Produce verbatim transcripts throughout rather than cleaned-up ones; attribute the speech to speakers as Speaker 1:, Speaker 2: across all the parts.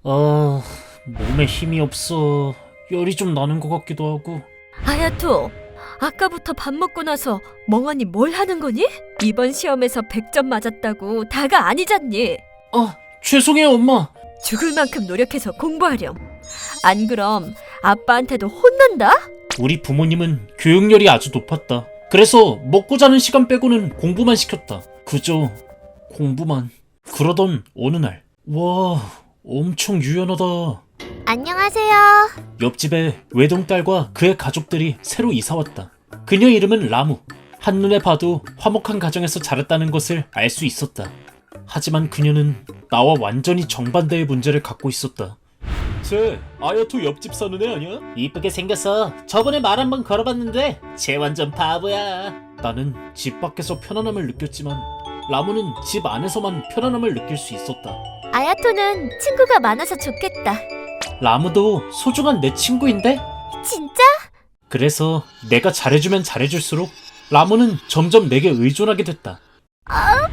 Speaker 1: 아, 몸에 힘이 없어. 열이 좀 나는 것 같기도 하고.
Speaker 2: 아야토, 아까부터 밥 먹고 나서 멍하니 뭘 하는 거니? 이번 시험에서 백 점 맞았다고 다가 아니잖니.
Speaker 1: 아, 죄송해요, 엄마.
Speaker 2: 죽을 만큼 노력해서 공부하렴. 안 그럼 아빠한테도 혼난다?
Speaker 1: 우리 부모님은 교육열이 아주 높았다. 그래서 먹고 자는 시간 빼고는 공부만 시켰다. 그저 공부만. 그러던 어느 날, 와, 엄청 유연하다.
Speaker 3: 안녕하세요.
Speaker 1: 옆집에 외동딸과 그의 가족들이 새로 이사왔다. 그녀 이름은 라무. 한눈에 봐도 화목한 가정에서 자랐다는 것을 알 수 있었다. 하지만 그녀는 나와 완전히 정반대의 문제를 갖고 있었다. 쟤 아야토 옆집 사는 애 아니야? 이쁘게 생겼어. 저번에 말 한 번 걸어봤는데 쟤 완전 바보야. 나는 집 밖에서 편안함을 느꼈지만 라무는 집 안에서만 편안함을 느낄 수 있었다.
Speaker 3: 아야토는 친구가 많아서 좋겠다.
Speaker 1: 라무도 소중한 내 친구인데?
Speaker 3: 진짜?
Speaker 1: 그래서 내가 잘해주면 잘해줄수록 라무는 점점 내게 의존하게 됐다.
Speaker 3: 아파.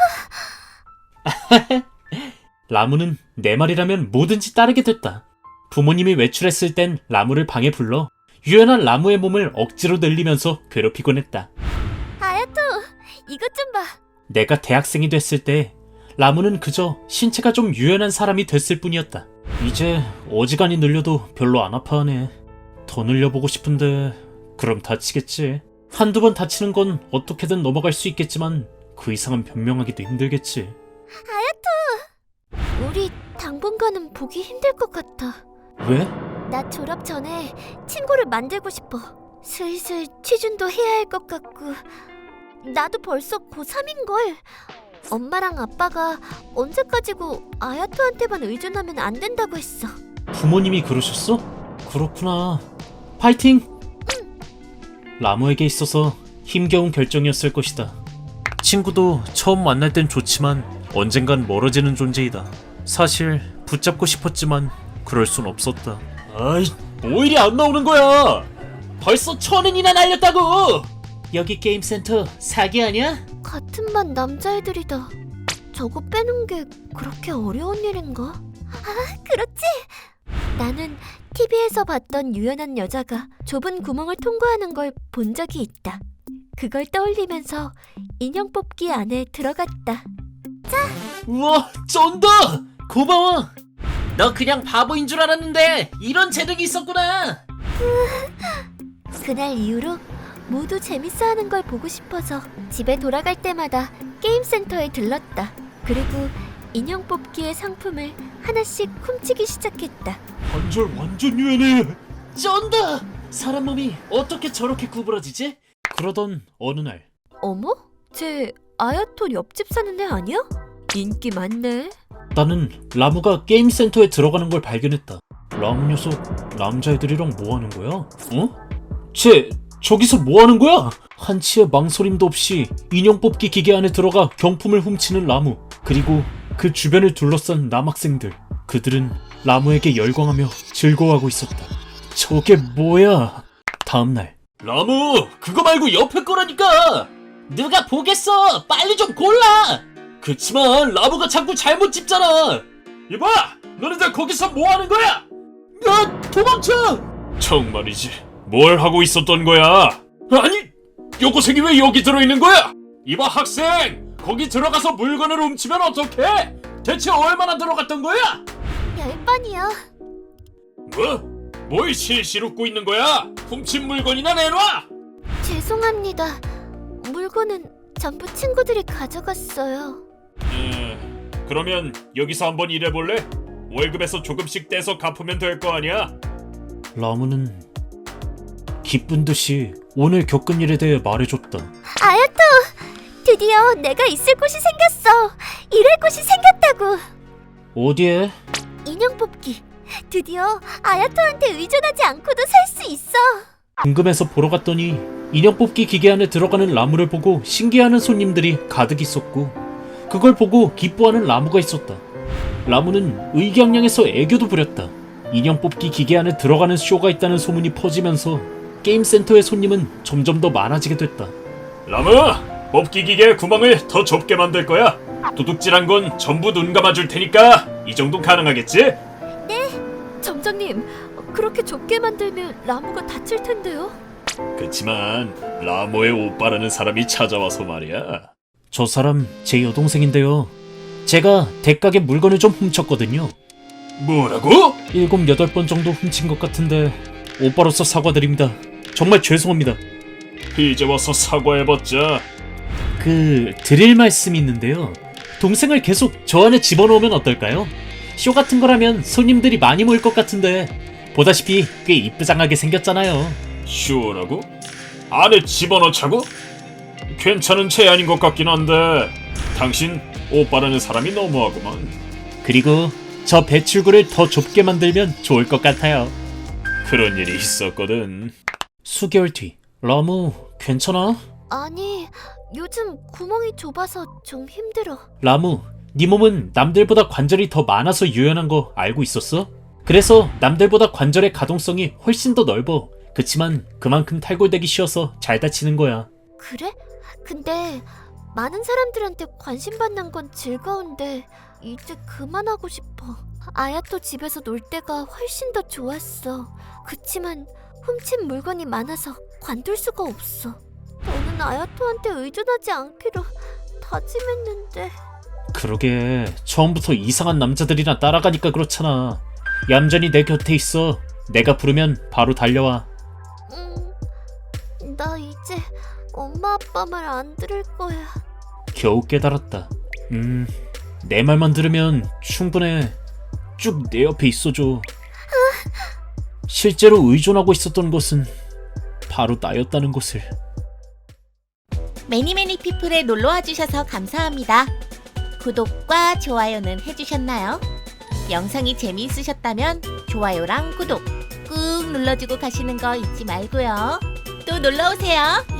Speaker 1: 라무는 내 말이라면 뭐든지 따르게 됐다. 부모님이 외출했을 땐 라무를 방에 불러 유연한 라무의 몸을 억지로 늘리면서 괴롭히곤 했다.
Speaker 3: 아야토, 이것 좀 봐.
Speaker 1: 내가 대학생이 됐을 때 라무는 그저 신체가 좀 유연한 사람이 됐을 뿐이었다. 이제 어지간히 늘려도 별로 안 아파하네. 더 늘려보고 싶은데 그럼 다치겠지. 한두 번 다치는 건 어떻게든 넘어갈 수 있겠지만 그 이상은 변명하기도 힘들겠지.
Speaker 3: 아야토, 우리 당분간은 보기 힘들 것 같아.
Speaker 1: 왜?
Speaker 3: 나 졸업 전에 친구를 만들고 싶어. 슬슬 취준도 해야 할 것 같고. 나도 벌써 고삼인걸. 엄마랑 아빠가 언제까지고 아야토한테만 의존하면 안 된다고 했어.
Speaker 1: 부모님이 그러셨어? 그렇구나. 파이팅! 라무에게 있어서 힘겨운 결정이었을 것이다. 친구도 처음 만날 땐 좋지만 언젠간 멀어지는 존재이다. 사실 붙잡고 싶었지만 그럴 순 없었다. 아이, 뭐 일이 안 나오는 거야? 벌써 천 원이나 날렸다고! 여기 게임센터 사기 아니야?
Speaker 3: 같은 반 남자애들이다. 저거 빼는 게 그렇게 어려운 일인가? 아, 그렇지. 나는 티비에서 봤던 유연한 여자가 좁은 구멍을 통과하는 걸 본 적이 있다. 그걸 떠올리면서 인형 뽑기 안에 들어갔다.
Speaker 1: 우와, 쩐다! 고마워! 너 그냥 바보인 줄 알았는데 이런 재능이 있었구나!
Speaker 3: 그날 이후로 모두 재밌어하는 걸 보고 싶어서 집에 돌아갈 때마다 게임센터에 들렀다. 그리고 인형 뽑기의 상품을 하나씩 훔치기 시작했다.
Speaker 1: 관절 완전 유연해! 쩐다! 사람 몸이 어떻게 저렇게 구부러지지? 그러던 어느 날
Speaker 2: 어머? 쟤 아야토 옆집 사는 애 아니야? 인기 많네.
Speaker 1: 나는 라무가 게임센터에 들어가는 걸 발견했다. 라무 녀석 남자애들이랑 뭐하는 거야? 어? 쟤 저기서 뭐하는 거야? 한치의 망설임도 없이 인형 뽑기 기계 안에 들어가 경품을 훔치는 라무. 그리고 그 주변을 둘러싼 남학생들. 그들은 라무에게 열광하며 즐거워하고 있었다. 저게 뭐야? 다음날 라무, 그거 말고 옆에 거라니까! 누가 보겠어! 빨리 좀 골라! 그치만 라무가 자꾸 잘못 집잖아! 이봐! 너네들 거기서 뭐하는 거야? 야, 도망쳐! 정말이지, 뭘 하고 있었던 거야? 아니, 여고생이 왜 여기 들어있는 거야? 이봐 학생! 거기 들어가서 물건을 훔치면 어떡해? 대체 얼마나 들어갔던 거야?
Speaker 3: 열 번이요.
Speaker 1: 뭐? 뭘 실실 웃고 있는 거야? 훔친 물건이나 내놔!
Speaker 3: 죄송합니다. 물건은 전부 친구들이 가져갔어요.
Speaker 1: 음, 그러면 여기서 한번 일해볼래? 월급에서 조금씩 떼서 갚으면 될 거 아니야? 라무는 기쁜 듯이 오늘 겪은 일에 대해 말해줬다.
Speaker 3: 아야토! 드디어 내가 있을 곳이 생겼어. 일할 곳이 생겼다고.
Speaker 1: 어디에?
Speaker 3: 인형 뽑기. 드디어 아야토한테 의존하지 않고도 살 수 있어.
Speaker 1: 궁금해서 보러 갔더니 인형 뽑기 기계 안에 들어가는 라무를 보고 신기해하는 손님들이 가득 있었고 그걸 보고 기뻐하는 라무가 있었다. 라무는 의기양양해서 애교도 부렸다. 인형 뽑기 기계 안에 들어가는 쇼가 있다는 소문이 퍼지면서 게임센터의 손님은 점점 더 많아지게 됐다. 라무! 뽑기 기계 구멍을 더 좁게 만들 거야. 도둑질한 건 전부 눈 감아줄 테니까 이 정도 가능하겠지?
Speaker 2: 점장님, 그렇게 좁게 만들면 라무가 다칠 텐데요.
Speaker 1: 그치만 라모의 오빠라는 사람이 찾아와서 말이야. 저 사람 제 여동생인데요. 제가 대가게 물건을 좀 훔쳤거든요. 뭐라고? 일곱 여덟 번 정도 훔친 것 같은데 오빠로서 사과드립니다. 정말 죄송합니다. 이제 와서 사과해봤자. 그 드릴 말씀이 있는데요. 동생을 계속 저 안에 집어넣으면 어떨까요? 쇼 같은 거라면 손님들이 많이 모일 것 같은데 보다시피 꽤 이쁘장하게 생겼잖아요. 쇼라고? 안에 집어넣자고? 괜찮은 제안인 것 같긴 한데 당신 오빠라는 사람이 너무하구만. 그리고 저 배출구를 더 좁게 만들면 좋을 것 같아요. 그런 일이 있었거든. 수개월 뒤. 라무 괜찮아?
Speaker 3: 아니, 요즘 구멍이 좁아서 좀 힘들어.
Speaker 1: 라무, 네 몸은 남들보다 관절이 더 많아서 유연한 거 알고 있었어? 그래서 남들보다 관절의 가동성이 훨씬 더 넓어. 그치만 그만큼 탈골되기 쉬워서 잘 다치는 거야.
Speaker 3: 그래? 근데 많은 사람들한테 관심 받는 건 즐거운데 이제 그만하고 싶어. 아야토 집에서 놀 때가 훨씬 더 좋았어. 그치만 훔친 물건이 많아서 관둘 수가 없어. 너는 아야토한테 의존하지 않기로 다짐했는데.
Speaker 1: 그러게 처음부터 이상한 남자들이나 따라가니까 그렇잖아. 얌전히 내 곁에 있어. 내가 부르면 바로 달려와.
Speaker 3: 음, 나 이제 엄마 아빠 말 안 들을 거야.
Speaker 1: 겨우 깨달았다. 음, 내 말만 들으면 충분해. 쭉 내 옆에 있어줘. 실제로 의존하고 있었던 것은 바로 나였다는 것을.
Speaker 4: 매니매니 피플에 놀러와 주셔서 감사합니다. 구독과 좋아요는 해주셨나요? 영상이 재미있으셨다면 좋아요랑 구독 꾹 눌러주고 가시는 거 잊지 말고요. 또 놀러오세요.